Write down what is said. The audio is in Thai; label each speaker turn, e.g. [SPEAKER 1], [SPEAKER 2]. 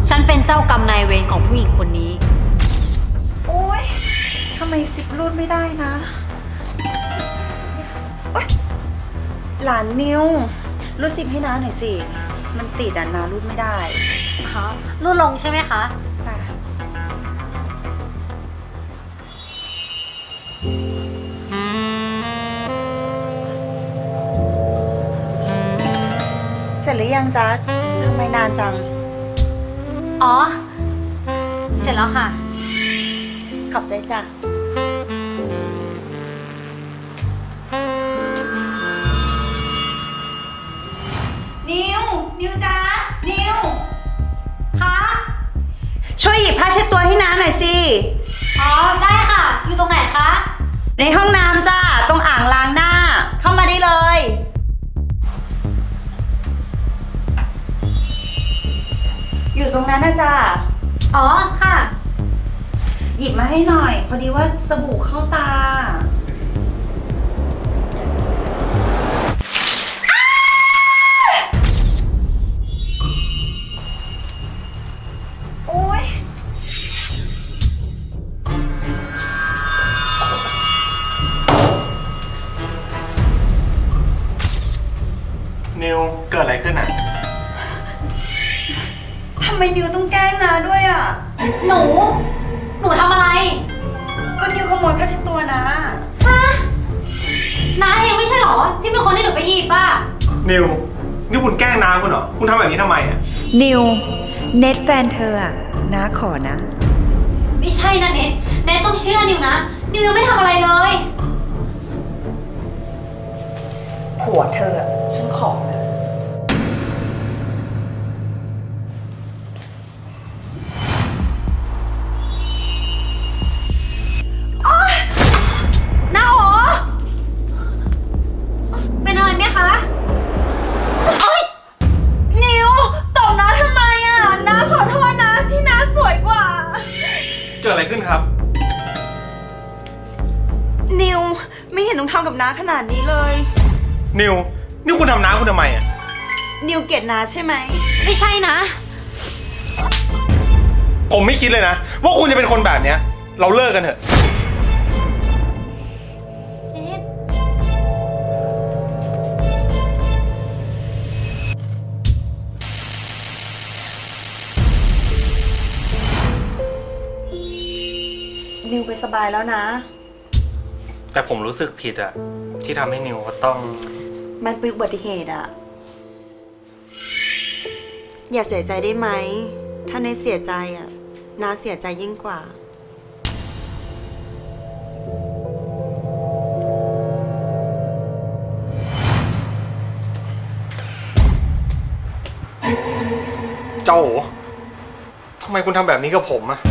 [SPEAKER 1] ฉันเป็นเจ้ากรรมนายเวรของผู้หญิงคนนี้
[SPEAKER 2] โอ๊ยทำไมซิปรูดไม่ได้นะโอ๊ยหลานนิวรูดซิปให้น้าหน่อยสิ มันติดน้ารูดไม่ได้
[SPEAKER 1] รูดลงใช่ไหมคะ
[SPEAKER 2] จ้ะเสร็จหรือยังจ๊ะทำไมนานจัง
[SPEAKER 1] อ๋อ เสร็จแล้วค่ะ
[SPEAKER 2] ขอบใจจ้ะ นิวจ๊ะ นิว
[SPEAKER 1] คะ
[SPEAKER 2] ช่วยหยิบผ้าเช็ดตัวให้น้าหน่อยสิ
[SPEAKER 1] อ๋อ ได้ค่ะ อยู่ตรงไหนคะ
[SPEAKER 2] ในห้องน้ำจ้าตรงอ่างล้างหน้า เข้ามาได้เลย อยู่ตรงนั้นนะจ้า
[SPEAKER 1] อ๋อ ค่ะ
[SPEAKER 2] หยิบมาให้หน่อย พอดีว่าสบู่เข้าตา โอ๊ย
[SPEAKER 3] นิวเกิดอะไรขึ้นอ่ะ
[SPEAKER 2] ทำไมนิวต้องแกล้งนาด้วยอ่ะ
[SPEAKER 1] หนูทำอะไร
[SPEAKER 2] ก็นิวขโมยผ้าเช็ดตัวนะ
[SPEAKER 1] ฮะน้าเองไม่ใช่เหรอ ที่เป็นคนที่หนูไปหยิบอ่ะ
[SPEAKER 3] นิวนี่คุณแกล้งน้าคุณเหรอ คุณทำแบบนี้ทำไมอ่ะ
[SPEAKER 2] นิว เน็ตแฟนเธออ่ะน้าขอนะ
[SPEAKER 1] ไม่ใช่นะเน็ตต้องเชื่อนิวนะ นิวยังไม่ทำอะไรเลย
[SPEAKER 2] ผัวเธออ่ะฉันขอนะ
[SPEAKER 1] น้าโอเป็นอะไรไหมคะโอ๊ย
[SPEAKER 2] นิวตบน้าทำไมอ่ะน้าขอโทษนะที่น้าสวยกว่า
[SPEAKER 3] เกิดอะไรขึ้นครับ
[SPEAKER 2] นิวไม่เห็นต้องทำกับน้าขนาดนี้เลย
[SPEAKER 3] นิวนี่คุณทำน้าคุณทำไมอ่ะ
[SPEAKER 2] นิวเกลียดน้าใช่ไหม
[SPEAKER 1] ไม่ใช่นะ
[SPEAKER 3] ผมไม่คิดเลยนะ ว่าคุณจะเป็นคนแบบเนี้ย เราเลิกกันเถอะ
[SPEAKER 1] เน็ต
[SPEAKER 2] นิวไปสบายแล้วนะ
[SPEAKER 3] แต่ผมรู้สึกผิดอ่ะ ที่ทำให้นิวเขาต้อง
[SPEAKER 2] มันเป็นอุบัติเหตุอ่ะ อย่าเสียใจได้ไหม ถ้าในเสียใจอ่ะน้าเสียใจยิ่งกว่า
[SPEAKER 3] เจ้าโอ๋ทำไมคุณทำแบบนี้กับผมอ่ะ